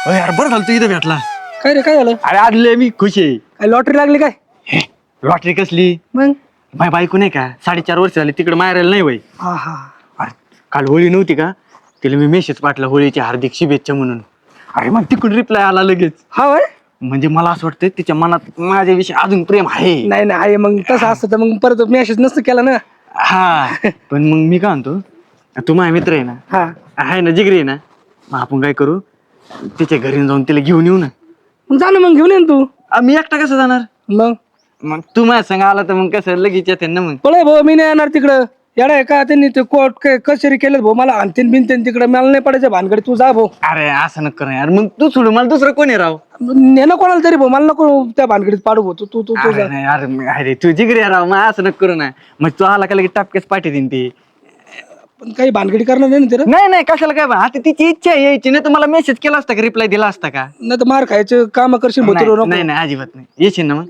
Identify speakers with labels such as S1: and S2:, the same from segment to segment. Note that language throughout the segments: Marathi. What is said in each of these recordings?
S1: यार बरं झालं तू इथं भेटला.
S2: काय रे काय झालं?
S1: अरे आदले मी खुश आहे.
S2: काय लॉटरी लागली काय?
S1: लॉटरी कसली?
S2: मग
S1: माझी बायको नाही का 4.5 वर्ष झाली तिकडे मारायला नाही वय.
S2: हा हा
S1: अरे काल होळी नव्हती का, तिला मी मेसेज पाठला होळीची हार्दिक शुभेच्छा म्हणून. अरे मग तिकडून रिप्लाय आला लगेच.
S2: हा वय
S1: म्हणजे मला असं वाटतं तिच्या मनात माझ्याविषयी अजून प्रेम आहे.
S2: नाही नाही आहे मग तसं असतं तर मग परत मेसेज नसतं केला ना.
S1: हा पण मग मी काय म्हणतो, तू माझा मित्र आहे ना,
S2: हा
S1: आहे ना, जिगरी आहे ना, मग आपण काय करू, तिच्या घरी जाऊन तिला घेऊन येऊ ना.
S2: मग जा ना मग घेऊन ये ना तू.
S1: मी एकटा कसं जाणार?
S2: मग
S1: मग तू माझ्या संग आला तर मग कसं लगेच येते ना. मग
S2: पळे भाऊ मी नाही येणार तिकडं. येडा आहे का त्यांनी ते कोर्ट काय कचेरी केलं भाऊ मला आणतीन बिनतीन तिकडं मला नाही पडायचं भानगडी तू जा भाऊ.
S1: अरे असं नको ना यार, मग तू सोडू मला दुसरं कोणी राव.
S2: नेणं कोणाला तरी भाऊ मला नको त्या भानगडीत पाडू भाऊ तू तू तू तू
S1: अरे
S2: जा.
S1: नाही, अरे तू जिगरी आहे राव, मग असं नको करू ना. मग तू आला का लगेच टापकेच पाठी देईन ती.
S2: पण काही भानगडी करणार नाही ना तिला.
S1: नाही नाही कशाला काय बा, आता तिची इच्छा आहे यायची, नाही तर मला मेसेज केला असता का, रिप्लाय दिला असता का?
S2: नाही तर मार खायचे काम करशील भाऊ
S1: नाही
S2: तुला नको.
S1: नाही नाही, अजिबात नाही. येशील ना मग?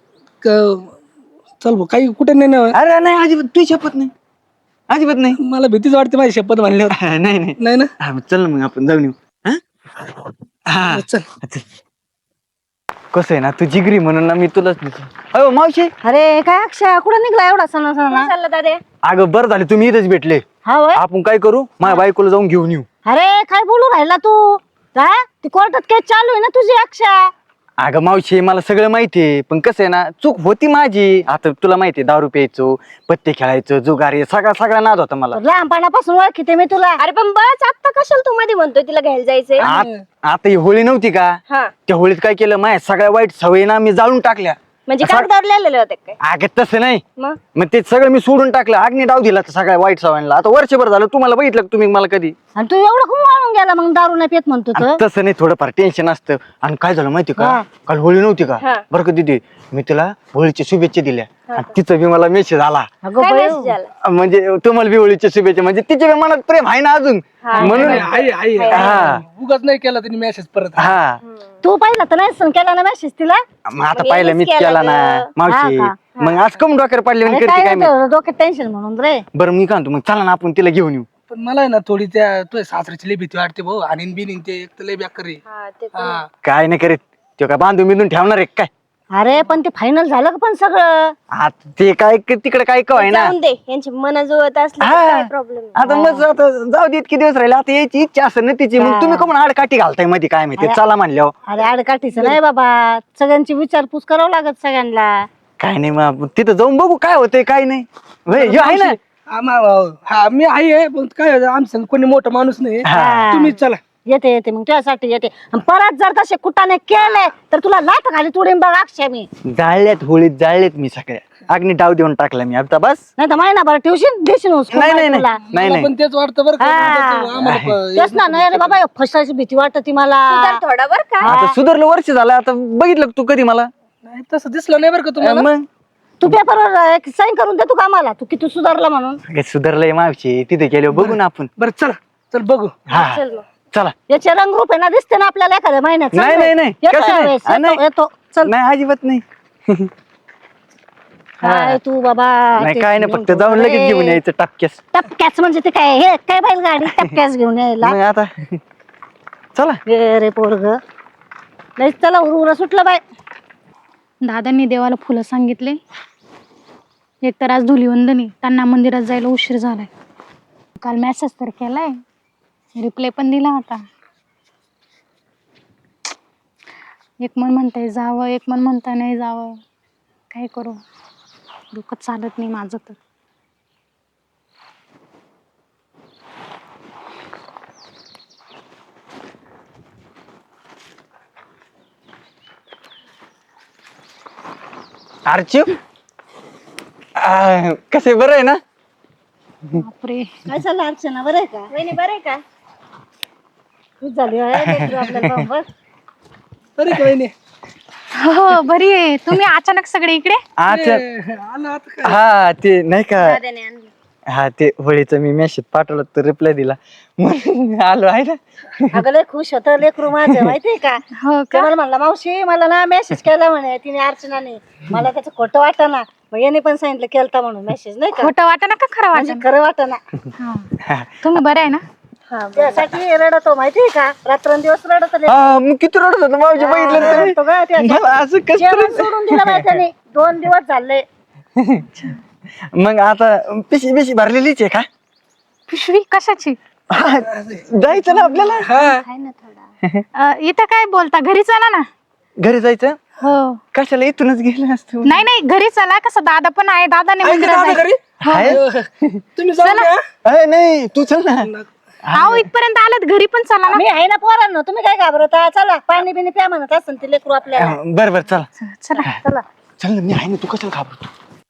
S2: चल भाऊ काही कुठे नाही ना.
S1: अरे नाही अजिबात, तू शपथ नाही, अजिबात नाही.
S2: मला भीतीच वाटते माझी शपथ म्हणल्यावर.
S1: नाही नाही
S2: नाही ना
S1: हा, मग चल ना मग आपण जाऊन येऊ. हा? हा
S2: चल.
S1: चल. कसं आहे ना, तू जिगरी म्हणून ना मी तुलाच देतो. अहो मावशी,
S3: अरे काय अक्षय कुठं निघला एवढा सणा सणा चालला दादे?
S1: अगं बरं झालं तुम्ही इथेच भेटले.
S3: हा वय
S1: आपण काय करू, माझ्या बायकोला जाऊन घेऊन येऊ.
S3: अरे काय बोलू राहिला तू? काय ती कोर्टात केस चालू आहे ना तुझी अक्षय?
S1: अगं मावशी मला सगळं माहितीये, पण कसं आहे ना, चूक होती माझी. आता तुला माहितीये, दारू प्यायचो, पत्ते खेळायचो, जुगारी, सगळा नाद होता मला.
S3: लहानपणापासून ओळखीते मी तुला. अरे पण बस आता कशाला तू मध्ये म्हणतोय तिला घ्यायला जायचंय?
S1: आता ही होळी नव्हती का,
S3: हा
S1: त्या होळीत काय केलं, माझ्या सगळ्या वाईट सवयी ना मी जाळून टाकल्या.
S3: म्हणजे
S1: असं-
S3: कागदावर लिहिलेले होते काय?
S1: अगं तसं नाही,
S3: मग
S1: मग ते सगळं मी सोडून टाकलं, अग्नी डाव दिला त्या सगळ्या वाईट सवयींना. आता वर्षभर झालं, तुम्हाला बघितलं का तुम्ही मला कधी?
S3: आणि तू एवढं खूप वाळून गेला मग दारू नाही पेत म्हणतो तर.
S1: तसं नाही, थोडंफार टेन्शन असतं. आणि काय झालं माहिती का,
S3: हा.
S1: काल होळी नव्हती का,
S3: हा.
S1: बरं का दीदी, मी तिला होळीच्या शुभेच्छा दिल्या. आणि तिचं बी मला मेसेज आला,
S3: अगं काय बाई, message आला?
S1: म्हणजे तुम्हाला बी होळीच्या शुभेच्छा. म्हणजे तिच्या बी मनात प्रेम आहे ना अजून, म्हणून. हा.
S2: उगाच नाही केला त्यांनी मेसेज परत.
S1: हा
S3: तू पाहिला तर नाही केला ना मेसेज तिला?
S1: मग आता पाहिलं मीच केला ना मावशी.
S3: हा का?
S1: मग आज कम डोक्यावर पडले
S3: अरे
S1: करते
S3: काय
S1: काय मी.
S3: होतं, डोक्यात टेन्शन म्हणून रे.
S1: बरं मी काय म्हणतो, मग चला ना आपण तिला घेऊन येऊ.
S2: पण मला आहे ना थोडी त्या तुझ्या सासऱ्याची लई भीती वाटते भाऊ. आणि बिनीन ते एक तर लई बेकार रे. हा.
S1: काय नाही करीत तो, काय बांधून बिंदून ठेवणार आहे काय?
S3: अरे पण ते फायनल झालं का पण सगळं?
S1: आता ते काय तिकडे काय कवाय ना.
S4: जाऊन दे यांची मन जुळत असली तर
S1: हा.
S4: काय प्रॉब्लेम
S1: आता मग आता जाऊ दे, इतके दिवस राहिले, आता यायची इच्छा असेल ना तिची. मग तुम्ही कमून आडकाठी घालताय मध्ये, काय माहिती, चला म्हणल्यावर.
S3: अरे आडकाठीचं नाही बाबा, सगळ्यांची विचारपूस करावं लागत सगळ्यांना.
S1: काय नाही, मग तिथं जाऊन बघू काय होतंय काय नाही. हे आहे ना.
S2: हा मी आहे पण काय आमचं कोणी मोठा माणूस नाही.
S1: हा.
S2: तुम्ही चला.
S3: येते येते मग तुझ्यासाठी येते. आणि परत जर तसे कुटाने केले तर तुला लाथ घाली तुडीन बघ अक्षय मी.
S1: जाळल्यात होळीत, जाळलेत मी सगळ्या. अग्नी डाव देऊन टाकला मी आता बस.
S3: नाही तर महिनाभर ठेवशील देशील हुसकून
S1: नाही नाही
S3: तुला.
S1: नाही
S2: मला पण तेच वाटतं बरं का.
S3: हा.
S2: आम्हाला
S3: तेच ना, नाही रे बाबा फसायची भीती वाटते मला.
S4: थोडा बर का
S1: आता सुधारलं, वर्ष झालं आता, बघितलं का तू कधी मला?
S2: नाही तसं दिसलं नाही बरं का तुम्हाला.
S1: मग
S3: तू पेपरवर एक साईन करून दे तू कामाला, तू किती सुधारला म्हणून.
S1: काय सुधारलंय मावशी, तिथे गेलो बघू ना आपण.
S2: बरं चला चल बघू.
S1: हा
S4: चल मग.
S1: चला.
S3: याचे रंगरूप आहे ना, दिसते ना आपल्याला एखाद्या महिन्यात.
S1: नाही नाही नाही
S3: येतो
S1: कसं
S3: यावेळेस,
S1: नाही.
S3: येतो, येतो. चल
S1: नाही अजिबात नाही.
S3: काय तू बाबा.
S1: नाही काय नाही, फक्त जाऊन लगेच घेऊन यायचं टपक्यास.
S3: टपक्याच म्हणजे ते काय, हे काय बैलगाडी टपक्याच घेऊन यायला.
S1: मग आता चला.
S3: गे रे पोरग. नाही चला, उर सुटलं बाय.
S5: दादांनी देवाला फुलं सांगितले. एक तर आज धुलीवंदनी, त्यांना मंदिरात जायला उशीर झालाय. काल मेसेज तर केलाय, रिप्लाय पण दिला होता. एक मन म्हणताय जावं, एक मन म्हणता नाही जावं. काय करू, डोकं चालत नाही माझं तर.
S1: अर्चू कसे बरं आहे ना?
S5: बापरे,
S3: काय चाललं अर्चना, बरं आहे का?
S4: वहिनी बरं आहे का?
S3: खूप झाली होय, लेकरं आपल्याला बघ.
S2: तरी काही नाही.
S5: हो बरी आहे. तुम्ही अचानक सगळे इकडे?
S1: अच्छा.
S2: आलं आता काय.
S1: हा ते नाही का,
S4: दादाने आणली.
S1: हा ते होळीचं मी मेसेज पाठवलं तर रिप्लाय दिला म्हणून आलो आहे ना.
S3: अगं लय खुश होत लेकरू माझं, माहितीये का?
S5: हो
S3: ते मला म्हणला मावशी मला ना मेसेज केला म्हणे तिने अर्चनाने. मला त्याचं खोटं वाटना, मग याने पण सांगितलं केलता म्हणून मेसेज, नाही का?
S5: खोटं वाटत ना का खरं
S3: म्हणजे
S5: वाटत?
S3: खरं वाटना.
S5: तुम्ही बरे आहे ना?
S3: त्यासाठी रडतो माहितीये का, रात्रंदिवस रडत
S1: हा मग किती रडत होतं मावशी बघितलं तर मला असं कसं
S3: सोडून दिलं बाई त्याने, 2 दिवस झाले.
S1: मग आता पिशी पिशी भरलेलीच आहे का?
S5: पिशवी कशाची?
S1: हा, जायचं ना आपल्याला.
S5: इथं काय बोलता, घरी चला ना.
S1: घरी जायचं
S5: हो.
S1: कशाला इथूनच गेलं असतो.
S5: नाही नाही, घरी चला. कसं दादा पण आहे, दादाने
S2: आहे का
S5: मंदिरात
S2: दादा
S5: जायचं.
S2: घरी? तुम्ही जाऊ द्या.
S1: अरे नाही तू चल ना.
S5: अहो इथपर्यंत आलात, घरी पण चला ना.
S3: मी आहे ना पोरांनो, तुम्ही काय घाबरता? चला पाणी बिनी प्या म्हणत असं ते लेकरू आपल्याला.
S1: बरं बरं चला
S5: चला.
S3: चला.
S1: चल ना, मी आहे ना, तू कशाला घाबरतो.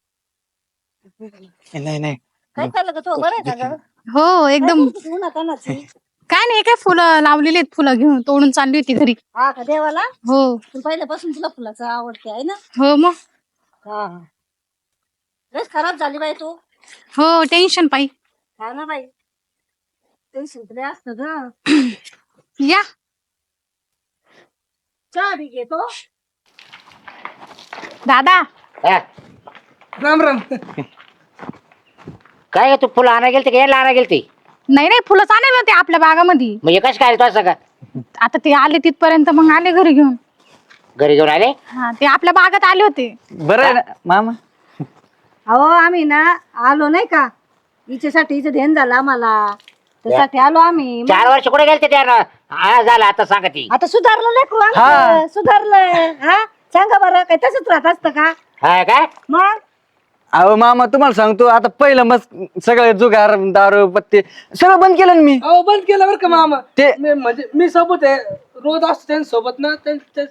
S1: नाही नाही
S3: काय चाललं का तू, बरं आहे का गं?
S5: हो एकदम.
S3: तू उन्हातान्हाची.
S5: काय नाही, काय फुलं लावलेली आहेत, फुलं घेऊन तोडून चालली होती घरी.
S3: हा का देवाला?
S5: हो
S3: तू पहिल्यापासून तुला फुलाचं आवडते आहे ना?
S5: हो मग.
S3: हा. लस खराब झाली बाई तू.
S5: हो टेन्शन पायी.
S3: हा ना बाई, टेन्शन तरी असतं ग.
S5: या.
S3: चहा बी घेतो.
S5: दादा
S6: हा,
S2: राम राम.
S6: काय तू फुलं आणा गेलती का यायला आणा गेलती?
S5: नाही नाही, फुलं चालेल होते आपल्या बागामध्ये.
S6: म्हणजे कश काय तो असं का
S5: आता ते आले तिथपर्यंत, मग आले घरी घेऊन.
S6: घरी घेऊन आले?
S5: हा, ते आपल्या बागात आले होते.
S1: बरं आहे ना मामा.
S3: अहो आम्ही ना आलो नाही का, हिच्यासाठी हिचं ध्यान झालं आम्हाला, त्यासाठी आलो आम्ही.
S6: 4 वर्ष कुठे गेलते त्या हा झालं आता सांगा ती.
S3: आता सुधारलं लेकरू आमचं, सुधारलंय. हा सांगा बरं, काय तसंच राहत असतं का?
S6: हा काय
S3: मग
S1: अहो मामा तुम्हाला सांगतो, आता पहिलं मग सगळे जुगार दारू पत्ते सगळं बंद केलं ना मी.
S2: अहो बंद केलं बरं का मामा.
S1: ते
S2: म्हणजे मी सोबत आहे, रोज असतो त्यांच्यासोबत ना.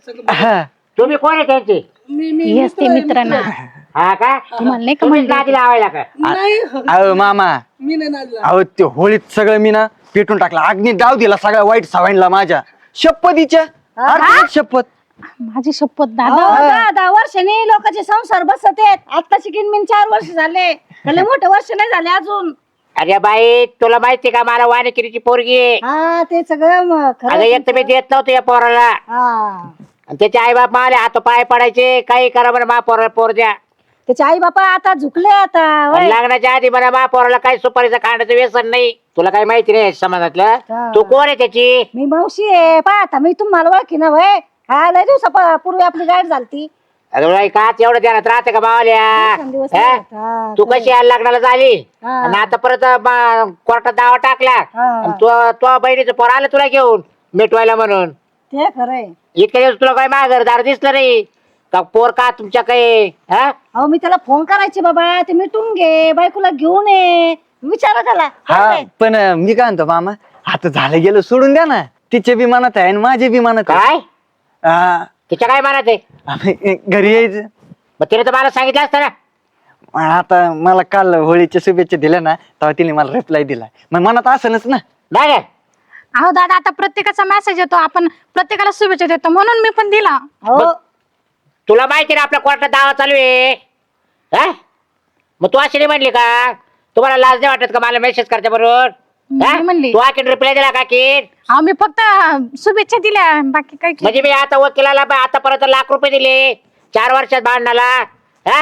S1: हा.
S6: तुम्ही कोण आहे त्यांचे?
S2: मी
S5: येस ते मित्रांना.
S6: हा का
S5: तुम्हाला नाही का
S6: तुम्हीच
S5: म्हणलं?
S6: नादी लावायला का?
S2: नाही,
S1: अहो मामा,
S2: मी नाही नादला.
S1: अहो ते होळीत सगळं मी ना पेटून टाकला, अग्नी डाव दिला सगळ्या वाईट सवयीला माझ्या. शपथीच्या अर्थात शपथ.
S5: माझी शपथ
S3: अहो,
S5: दादा.
S3: 10 वर्षांनी लोकांचे संसार बसत आहेत. आता शिकीन मी 4 वर्ष झाले, त्याला मोठे वर्ष नाही झाले अजून.
S6: अरे बाई तुला माहिती का मला वाणिकिरीची पोरगी आहे.
S3: हा ते सगळं खरं.
S6: अगं एक तर मी देत नव्हतो या पोराला,
S3: हा
S6: आणि त्याचे आई बाप मला हात पाय पडायचे, काही करा म्हणा मा पोराला पोर द्या.
S3: त्याचे आई बापा आता झुकले आता.
S6: आणि
S3: होय.
S6: लग्नाच्या आधी म्हणा मा पोराला काही सुपारीचं खाण्याचं व्यसन नाही. तुला काही माहिती नाही समाजातलं.
S3: हा.
S6: तू कोण आहे त्याची?
S3: मी मावशी आहे. पहा आता मी तुम्हाला ओळखी ना वय. हा लय दिवसापूर्वी आपली गाठ झालती.
S6: अगं बाई का एवढं ध्यानात राहते का मावल्या?
S3: दिवस
S6: हा?
S3: हा,
S6: तू कशी यायला लग्नाला झाली
S3: हा.
S6: आणि आता परत कोर्टात दावा टाकला
S3: हा.
S6: आणि तो बहिणीचं पोर आलं तुला घेऊन मिटवायला म्हणून.
S3: ते खरंय.
S6: इतके दिवस तुला काही माघारदार दिसलं नाही का? पोर का तुमच्या काही हा?
S3: अहो मी त्याला फोन करायचे बाबा, ते मिटून घे, बायकोला घेऊन ये, विचारा त्याला.
S1: हा पण मी काय म्हणतो मामा, आता झालं गेलं सोडून द्या ना. तिचे बी मनात आहे आणि माझे बी मनात आहे.
S6: काय
S1: हा,
S6: तिच्या काय म्हणत आहे?
S1: आम्ही घरी यायचं.
S6: मग तिने तर मला सांगितलं असतं ना.
S1: आता मला काल होळीच्या शुभेच्छा दिल्या ना, तेव्हा तिने मला रिप्लाय दिला. मग मनात असनच ना.
S6: नाही काय?
S5: अहो दादा, आता प्रत्येकाचा मेसेज येतो, आपण प्रत्येकाला शुभेच्छा देतो, म्हणून मी पण दिला.
S3: हो
S6: तुला माहिती ना आपल्या कोर्टात दावा चालू आहे. हा? मग तू अशी नाही म्हणली का? तुम्हाला लाज नाही वाटत का मला मेसेज करते बरोबर?
S5: मी म्हणली.
S6: तू आखीन रिप्लाय दिला का की?
S5: अहो मी फक्त शुभेच्छा दिल्या, बाकी काही केलं.
S6: म्हणजे मी आता वकिलाला आतापर्यंत ₹1,00,000 दिले 4 वर्षात भांडणाला. हा?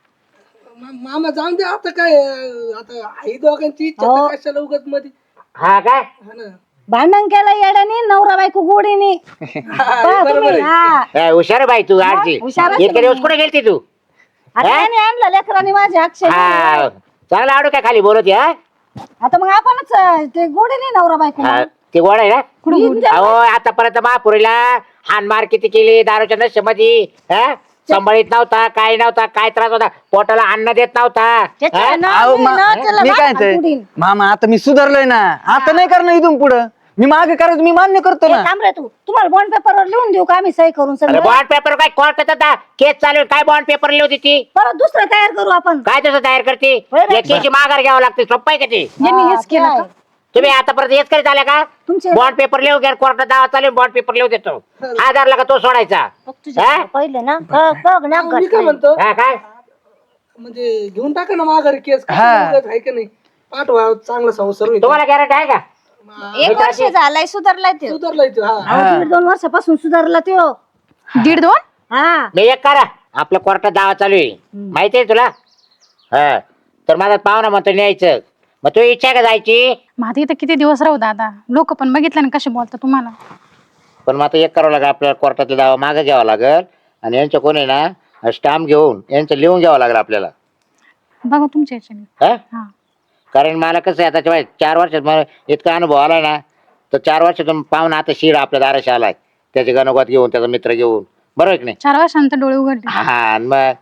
S2: मामा जाऊन दे आता. काय आता आई दोघांची इच्छा
S3: हो.
S2: तर कशाला उगत मध्ये.
S6: हा काय?
S2: हा ना.
S3: भांडण केलं येड्याने, नवरा बायको गोडीने. पहा तुम्ही. हा
S6: हुशार आहे बाई तू आजची.
S3: हुशार आहे
S6: इतके दिवस कुठे गेलती तू?
S3: आता याने आणलं लेकरांनी माझ्या अक्षय.
S6: हा चांगला आवडू काय खाली बोलत हा?
S3: आता मग आपणच ते गोडीने नवरा बायको.
S6: हा, ते गोड आहे ना? अहो आतापर्यंत महापुरीला हानमार किती केली दारूच्या नशेमध्ये. हा? सांभाळीत नव्हता, काय नव्हता, काय त्रास होता, पोटाला अन्न देत नव्हता.
S3: त्याच्या
S6: हा?
S3: ना
S1: अहो,
S3: मी ना त्याला
S1: मी काय
S3: वाट
S1: म्हणतोय,
S3: पुढील.
S1: मामा आता मी सुधारलोय ना. आता नाही करणार इथून पुढं. मी मागे करायचं मी मान्य करतो
S3: ए,
S1: ना.
S3: थांब रे तू, तुम्हाला बॉन्ड पेपरवर लिहून देऊ का आम्ही सही करून
S6: अरे
S3: सगळं?
S6: बॉन्ड पेपर काय कोर्टात आता केस चालू आहे, काय बॉन्ड पेपर लिहिली होती ती?
S3: परत दुसरं तयार करू आपण.
S6: काय तसं तयार करते?
S3: होय रे.
S6: एकेची माघार घ्यावं लागते, सोपं आहे का ते?
S5: यांनी हेच केलं
S3: काय?
S5: का?
S6: तुम्ही आतापर्यंत हेच करीत आल्या का?
S3: तुमचे
S6: बॉन्ड पेपर लिहू घ्या, कोर्टात दावा चालू बॉन्ड पेपर लिहू देतो. आधारला का तो सोडायचा? हा?
S3: पहिले ना बघ ना
S2: मी काय म्हणतो,
S6: हा, काय
S2: म्हणजे घेऊन टाका ना माघारी केस.
S1: हा.
S2: आहे का नाही? पाठवा, चांगला संसार होईल.
S6: तुम्हाला गॅरंटी आहे का?
S4: 1 वर्ष झालाय सुधारलाय ते.
S2: सुधारलाय तो. हा.
S1: हा.
S3: 1.5-2 वर्षापासून सुधारला तो.
S5: 1.5-2.
S3: हा
S6: मी एक करा, आपल्या कोर्टात दावा चालू आहे माहिती आहे तुला? हा तर माझा पाहुणा म्हणतो न्यायचं, मग तू इच्छा आहे का जायची?
S5: मग आता इथं किती दिवस राहू दादा, लोक पण बघितलं ना कसे बोलतात तुम्हाला.
S6: पण मग आता एक करावं लागेल आपल्याला, कोर्टातला दावा मागे घ्यावा लागेल आणि यांच्या कोणी ना स्टॅम्प घेऊन यांचं लिहून घ्यावं लागेल आपल्याला.
S5: बघा तुमच्या याच्याने.
S6: हा
S5: हा
S6: कारण मला कसं आहे आता 4 वर्षात मला इतका अनुभव आला ना, तर 4 वर्षातून पाहून आता शिड आपल्या दाराशी आलाय, त्याचे गणगोत घेऊन त्याचा मित्र घेऊन, बरोबर की नाही?
S5: 4 वर्षानंतर डोळे उघडले.
S6: हा आणि मग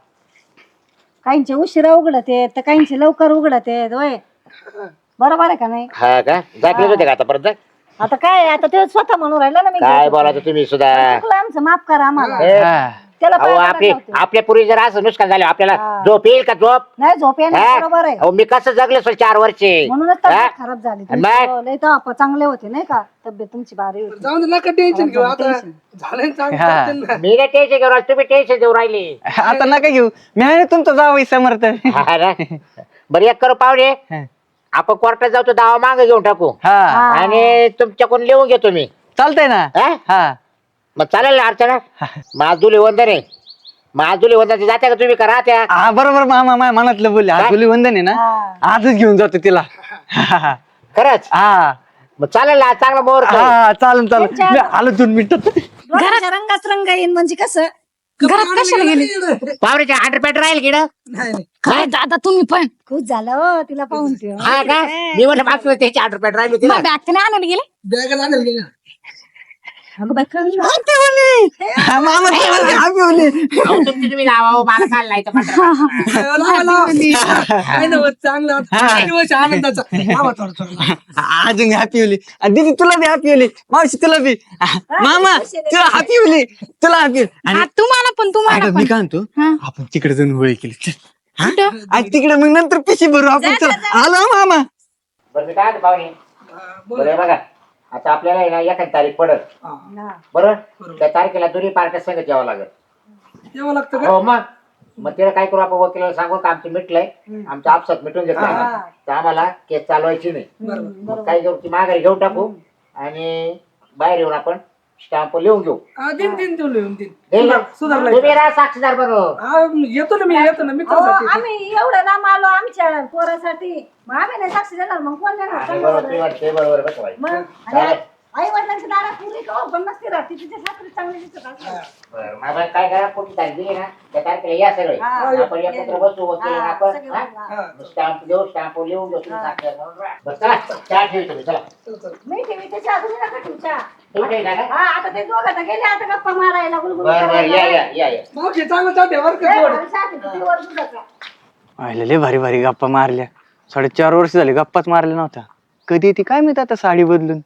S3: काहींचे उशिरा उघडते तर काहींचे लवकर उघडते होय, बरोबर आहे का नाही?
S6: हा का जाकले होते का आतापर्यंत?
S3: आता काय, आता ते स्वतः म्हणून राहिला ना मी
S6: काय
S3: घेतो.
S6: बोलायचं तुम्ही सुद्धा.
S3: चुकलं आमचं, माफ करा आम्हाला.
S1: हा.
S3: त्याला
S6: अहो
S3: पाया
S6: आपली
S3: पडायला होतं.
S6: आपल्या पूर्वी जर असं नुकसान झालं आपल्याला
S3: हा.
S6: झोप येईल का झोप?
S3: नाही झोप येणार,
S6: हा?
S3: बरोबर आहे.
S6: अहो मी कसं जगले असेल 4 वर्षे.
S3: म्हणूनच
S6: हा?
S3: तब्येत खराब झाली
S6: आणि
S3: तुमची.
S6: मग?
S3: हो, लय तर आपण चांगले होते नाही का, तब्येत तुमची भारी होती.
S2: जाऊन दे, नका टेन्शन घेऊ आता. झालं चांगलं
S1: हा.
S2: चालतंय ना.
S6: मी नाही टेन्शन घेऊ राहिलो, तुम्ही टेन्शन देऊ राहिली.
S1: आता नका घेऊ, मी आहे ना तुमचा जावई समर्थ.
S6: हा ना? बरं एक करू पाहुणे,
S1: हा.
S6: आपण कोर्टात जाऊ तो दावा मागे घेऊन टाकू
S1: हा
S6: आणि तुमच्याकडून लिहून घेतो मी.
S1: चालतंय ना.
S6: हा?
S1: हा
S6: मग चालेल ना अर्चना? माजुली वंदन आहे, माजुली वंदन जाते का तुम्ही करा त्या?
S1: हा बरोबर मामा माय मनातलं बोलले. आज धुली वंदन आहे ना,
S3: हा.
S1: आजच घेऊन जातो तिला. हा
S6: खरंच? मग चालेल ना, चांगला मुहूर्त आहे.
S1: हा चालेल चालेल, मी आलो 2 मिनिटात.
S3: डोळ्याच्या रंगात रंग येईन म्हणजे कसं.
S5: घरात कशाला गेले?
S6: पावरेच्या हंड्रेड राहील की ना?
S2: नाही नाही.
S5: काय दादा तुम्ही पण
S3: खुश झालं हो तिला पाहून ते.
S6: हा का? मी म्हटलं मागचं त्याची हंड्रेड राहिली होती ना.
S5: मग बॅग त्याने आणायला गेले.
S2: बॅग आणायला गेले.
S3: अगं बाई, खरंच ना.
S1: हा, मामा ते म्हणले, आम्ही बोलले.
S6: अहो, तुमची तुम्ही लावा हो, मला काय लावायचं म्हटलं.
S2: लावा, लावा. काय नव्हतं, चांगलं आता. दिवस आनंदाचा. लावा थोडं थोडं.
S1: अजून हॅपी होली. आणि दीदी तुला बी हॅपी होली, मावशी तुला बी. मामा तुला हॅपी होली, तुला हॅपी. आणि
S5: हा, तुम्हाला पण तुम्हाला
S1: अगं, मी
S5: पण.
S1: काय म्हणतो,
S5: हा.
S1: आपण तिकडे जाऊन होळी केली. चल. हा?
S5: कुठं?
S1: आणि तिकडे मग नंतर पिशी भरू आपण. चल. आलो मामा.
S6: बरं मी काय म्हणतो पाहुणे, बरं हे बघा आता आपल्याला आहे ना एखादी तारीख पडत,
S3: हा.
S6: बरोबर? त्या तारखेला दोन्ही पार्ट्या संगत यावं लागेल.
S2: यावं लागतं का?
S6: हो मग त्याला काय करू आपण, वकिलाला सांगू का आमचं मिटलंय, आमच्या आपसात मिटून घेतलं
S3: हा.
S6: तर आम्हाला केस चालवायची नाही. मग काय करू, ती माघारी घेऊन टाकू आणि बाहेर येऊन आपण स्टॅम्प लिहून घेऊ.
S2: हा, दिन दिन देऊन लिहून दिन.
S6: देईल ना?
S2: सुधारला.
S6: तुम्ही राहा साक्षीदार बरोबर.
S2: हा, येतो ना मी, येतो ना
S3: अहो,
S2: मित्रासाठी.
S3: आम्ही एवढं लांब आलो आमच्या पोरासाठी, मग आम्ही नाही साक्षी देणार, मग कोण देणार?
S6: आणि बरोबर ती वाटते, बरोबर बसं व्हायचं.
S3: मग
S6: चालेल.
S3: आई वडिलांच्या दारात पुरी का पण नसते राहते, तिच्या सासरी चांगली दिसत असते.
S6: बरं, मग आता काय करा, कोणती तारीख दिली ना त्या तारखेला या सगळे.
S3: हा.
S6: आपण एकत्र बसू वकील आणि
S3: हा,
S6: आपण
S3: सगळे
S6: हा?
S3: बसू,
S2: हा.
S6: स्टॅम्प देऊ, स्टॅम्प लिहून घेऊ, तुम्ही साक्षीदार म्हणून राहा. बरं, चला चहा ठेवू तुम्ही, चला
S3: मी ठेवी त्याच्या अजून नका ठेवच्या.
S6: तुम्ही ठेवता का?
S3: हा, आता ते दोघं तर गेले आता गप्पा मारायला, गुलगुल
S6: बरं बरं,
S3: करायला.
S6: या
S2: मावशी चांगलं चालते बरं का
S3: लय
S2: जोड.
S3: भारी चहा पितो, ती वर दुधाचा.
S1: आयला लय भारी भारी गप्पा मारल्या. 4.5 वर्ष झाले गप्पाच मारल्या नव्हत्या. कधी येते काय माहित आता साडी बदलून.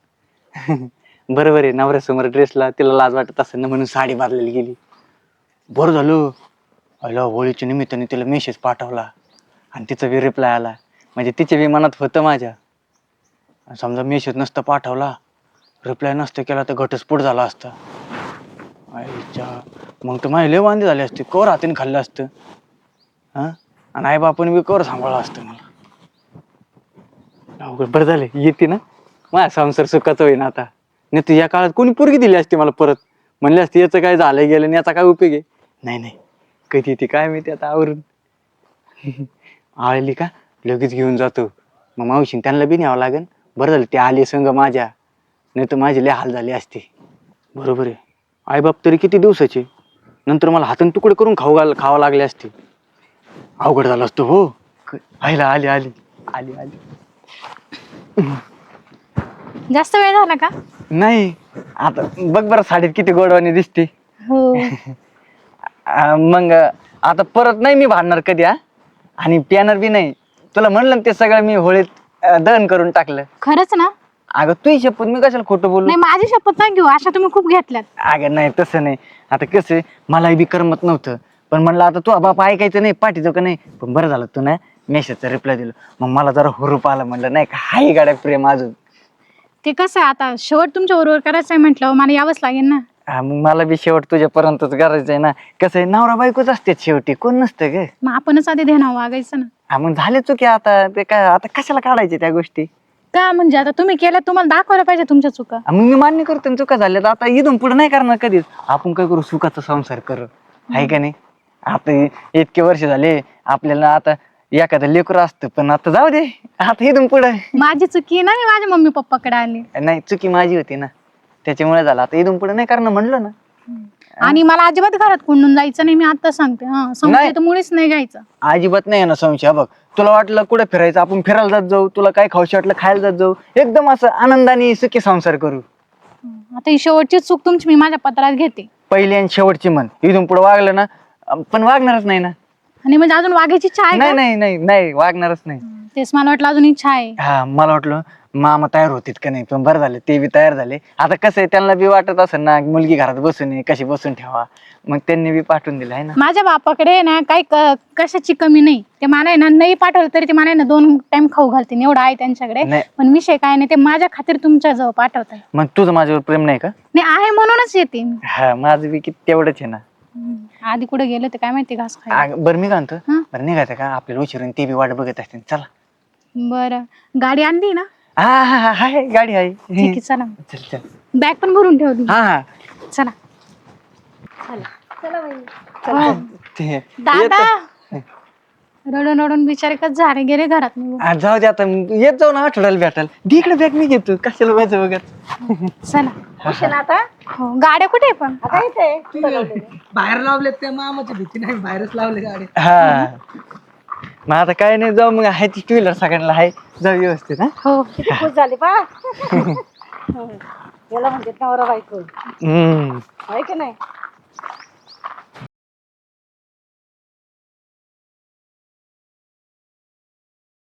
S1: बरोबर आहे, नवऱ्यासमोर ड्रेसला तिला लाज वाटत असेल ना म्हणून साडी बदलायला गेली. बरं झालं, आयला होळीच्या निमित्ताने तिला मेसेज पाठवला आणि तिचा बी रिप्लाय आला. म्हणजे तिच्या बी मनात होतं माझ्या. समजा मेसेज नसता पाठवला, रिप्लाय नसतं केला तर घटस्फोट झाला असता. आईच्या मग तर माझे लय वांदे झाले असते, कवर हातीने खाल्लं असतं. हा, आणि आई बापाने बी कवर सांभाळलं असतं मला. अवघड. बरं झालं येते ना, माझा संसार सुखाचा होईना आता. नाही तर या काळात कोणी पोरगी दिली असती मला परत, म्हणले असते याचं काय झालंय गेलं आणि याचा काय उपयोग आहे. नाही कधी येते काय माहिती आता आवरून. आळली का लगेच घेऊन जातो. मग मावशीने त्यांना बी न्यावं लागेल. बरं झालं ते आले संग माझ्या, नाही तर माझे लय हाल झाले असते. बरोबर आहे, आईबाप तरी किती दिवसाचे, नंतर मला हाताने तुकडे करून खावं लागले असते. अवघड झालं असतं हो. आईला आली आली आली आली.
S5: जास्त वेळ झाला का?
S1: नाही आता बघ बरं साडीत किती गोडवानी दिसते.
S5: हो.
S1: मग आता परत नाही मी भांडणार कधी. हा, आणि पियानर बी नाही. तुला म्हणलं ना ते सगळं मी होळीत दहन करून टाकलं.
S5: खरंच ना?
S1: अगं तुझी शपथ, मी कशाला खोटं बोलू.
S5: नाही, माझी शपथ नाही घेऊ, अशा तुम्ही खूप घेतल्यात.
S1: अगं नाही तसं नाही. आता कसं मलाही बी करमत नव्हतं, पण म्हणलं आता तू बाप ऐकायचं नाही, पाठीचं का नाही. पण बरं झालं तू ना मेसेजचा रिप्लाय दिलं, मग मला जरा हुरूप आला. म्हणलं नाही का हाही गाड्या प्रेम अजून.
S5: ते कसं आहे आता, शेवट तुमच्या बरोबर करायचं आहे म्हटलं मला यावंच लागेल ना.
S1: मग मला बी शेवट तुझ्यापर्यंतच करायचं आहे ना. कसं आहे नवरा बायकोच असते शेवटी, कोण नसतं ग.
S5: मग आपणच आधी ध्यानावर वागायचं ना.
S1: मग झाले चुकी आता, ते काय आता कशाला काढायचे त्या गोष्टी.
S5: का म्हणजे आता तुम्ही केल्या, तुम्हाला दाखवायला पाहिजे तुमच्या चुका.
S1: मग मी मान्य करतो ना चुका झाल्या, तर आता इथून पुढे नाही करणार कधीच. आपण काय करू, सुखाचा संसार करू, आहे का नाही. आता इतके वर्ष झाले आपल्याला, आता एखादं लेकरू असतं, पण आता जाऊ दे, आता इथून पुढे
S5: माझी चुकी आहे ना, मी माझ्या मम्मी पप्पाकडे आले.
S1: नाही, चुकी माझी होती ना, त्याच्यामुळे झालं. आता इथून पुढे नाही करणार म्हणलं ना.
S5: आणि मला अजिबात घरात कोंडून जायचं नाही, मी आता सांगते. हा, संशय तर मुळीच नाही घ्यायचं.
S1: अजिबात नाही ना संशय. बघ, तुला वाटलं कुठे फिरायचं, आपण फिरायला जात जाऊ, तुला काय खाऊशी वाटलं खायला जात जाऊ, एकदम असं आनंदाने सुखी संसार करू.
S5: आता ही शेवटची चूक तुमची मी माझ्या पत्रात घेते.
S1: पहिली आणि शेवटची म्हण. इथून पुढे वागलं ना, पण वागणारच नाही ना.
S5: आणि म्हणजे अजून वागायची इच्छा आहे
S1: नाही
S5: का?
S1: नाही नाही नाही, वागणारच नाही.
S5: तेच मला वाटलं अजून इच्छा आहे.
S1: हा, मला वाटलं मामा तयार होतीत का नाही, पण बरं झालं ते बी तयार झाले. आता कसं आहे, त्यांना बी वाटत असेल ना मुलगी घरात बसून आहे, कशी बसून ठेवा, मग त्यांनी बी पाठवून दिलं आहे ना.
S5: माझ्या बापाकडे ना काही कशाची कमी नाही. ते मला आहे ना नाही पाठवलं तरी ते मला आहे ना 2 टाइम खाऊ घालतील, एवढं आहे त्यांच्याकडे.
S1: नाही.
S5: पण विषय काय नाही, ते माझ्या खातीर तुमच्या जवळ पाठवताय.
S1: मग तुझं माझ्यावर प्रेम नाही का?
S5: नाही आहे म्हणूनच येते मी.
S1: हा, माझं बी किती तेवढंच आहे ना.
S5: आधी कुठे गेलं ते काय माहिती, घास खायला.
S1: बरं मी काय म्हणतो,
S5: हा?
S1: बरं निघायचं का आपल्याला उशिरून, ते बी वाट बघत असतील. चला.
S5: बरं, गाडी आणली ना?
S1: हा हा हा, आहे गाडी आहे.
S5: ठीक आहे, चला.
S1: चल चल.
S5: बॅग पण भरून ठेवली.
S1: हा हा
S5: चला.
S3: चला बाई.
S5: हो.
S1: ते
S5: दादा रडून रडून बिचारे कच झाले, गेले घरात निघून.
S1: जाऊ दे आता, येत जाऊ ना आठवड्याला भेटायला. इकडे बॅग मी घेतो, कशाला माझं बघत.
S5: चला.
S3: उशीर आता
S5: हो, गाड्या कुठे आहे पण?
S3: आता इथे
S2: बाहेर लावले त्या मामाची भीती नाही, बाहेरच लावले गाडी.
S1: हा, मग आता काय नाही, जाऊ मग. आहे ती 2 व्हीलर सगळ्यांना आहे, जाऊ व्यवस्थित. हा,
S5: हो.
S3: किती खुश झाली पा. याला म्हणजे नवरा बायको
S1: हम्म.
S3: आहे की नाही.